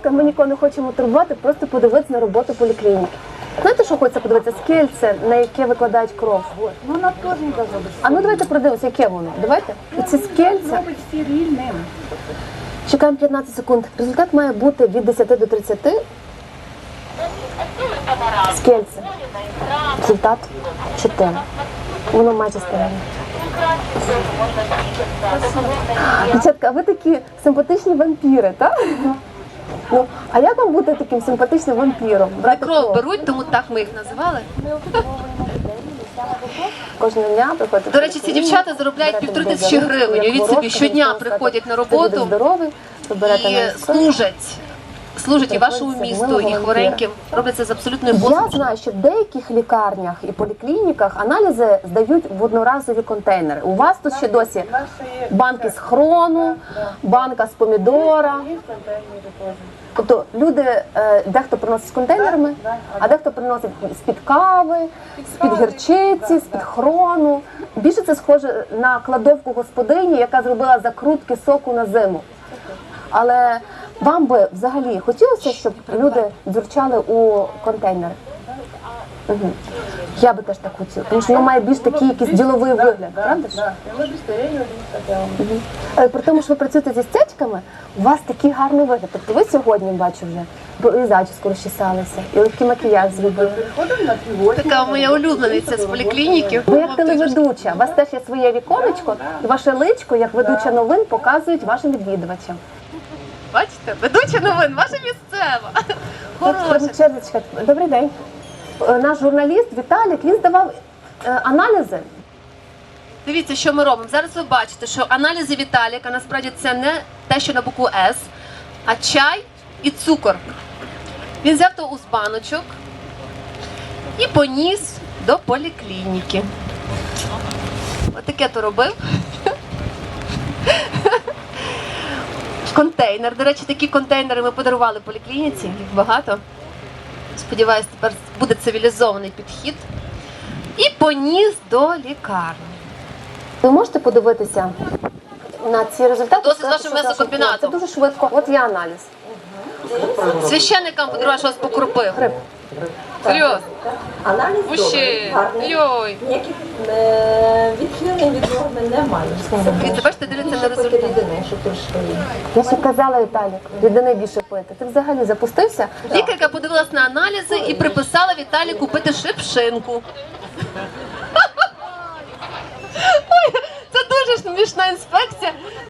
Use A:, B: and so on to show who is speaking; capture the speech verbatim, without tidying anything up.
A: ласка, ми нікого не хочемо турбувати, просто подивитися на роботу поліклініки. Знаєте, що хочеться подивитися? Скельце, на яке викладають кров.
B: Ну, вона теж не должна бути.
A: А ну давайте подивимося, яке воно. Давайте. Оці скельця.
B: Робить стерильним.
A: Чекаємо п'ятнадцять секунд. Результат має бути від десяти до тридцяти. Скельце. Результат чотири. Воно майже стерильне. Дівчатка, а ви такі симпатичні вампіри, так? Ну, а як вам бути таким симпатичним вампіром? Брати
C: Кров беруть, тому так ми їх називали.
A: Кожного дня приходять.
C: До речі, ці дівчата заробляють півтори тисячі гривень. Уявіть собі, щодня приходять на роботу
A: здоровий, ви берете
C: і
A: на
C: служать. Служать і вашому місту, і хвореньким. Роблять це з абсолютною
A: Я
C: посмішкою.
A: знаю, що в деяких лікарнях і поліклініках аналізи здають в одноразові контейнери. У вас тут ще досі банки з хрону, банка з помідора. Тобто люди, е, дехто приносить з контейнерами, а дехто приносить з-під кави, з-під гірчиці, з-під хрону. Більше це схоже на кладовку господині, яка зробила закрутки соку на зиму. Але вам би взагалі хотілося, щоб люди дзюрчали у контейнери? Угу. Я би теж так хотіла, тому що воно має більш такий якийсь діловий вигляд, правда ж? Угу. Але при тому, що ви працюєте зі стячками, у вас такий гарний вигляд. Тобто ви сьогодні, бачу вже, бо і зачіску розчесалися, і легкий макіяж зробили.
C: Така моя улюблениця з поліклініки.
A: Ви як телеведуча, у вас теж є своє віконечко, і ваше личко, як ведуча новин, показують вашим відвідувачам.
C: Бачите? Ведуча новин, ваша місцева. Хороша.
A: Черзочка, добрий день. Е, Наш журналіст Віталік, він здавав е, аналізи.
C: Дивіться, що ми робимо. Зараз ви бачите, що аналізи Віталіка, насправді це не те, що на букву С, а чай і цукор. Він взяв то з баночок і поніс до поліклініки. Отаке то робив. Контейнер. До речі, такі контейнери ми подарували поліклініці, їх багато. Сподіваюсь, тепер буде цивілізований підхід. І поніс до лікарні.
A: Ви можете подивитися на ці результати?
C: Досить
A: Сказати,
C: з вашим
A: що
C: м'ясокомбінатом.
A: Це дуже швидко. От є аналіз.
C: Священникам подарував, що вас покропив.
A: Грип.
C: Серйозно?
D: Аналіз добрий,
C: Мужчина.
D: гарний.
C: Йой.
D: Ніяких е, відхилень від норми немає.
C: Дивіться, бачите, дивляться на результат.
D: Рідини, що трошки є.
A: Я ще казала, Віталік, рідини більше пити. Ти взагалі запустився?
C: Лікарка подивилась на аналізи і приписала Віталіку пити шипшинку. Ой, це дуже смішна інспекція.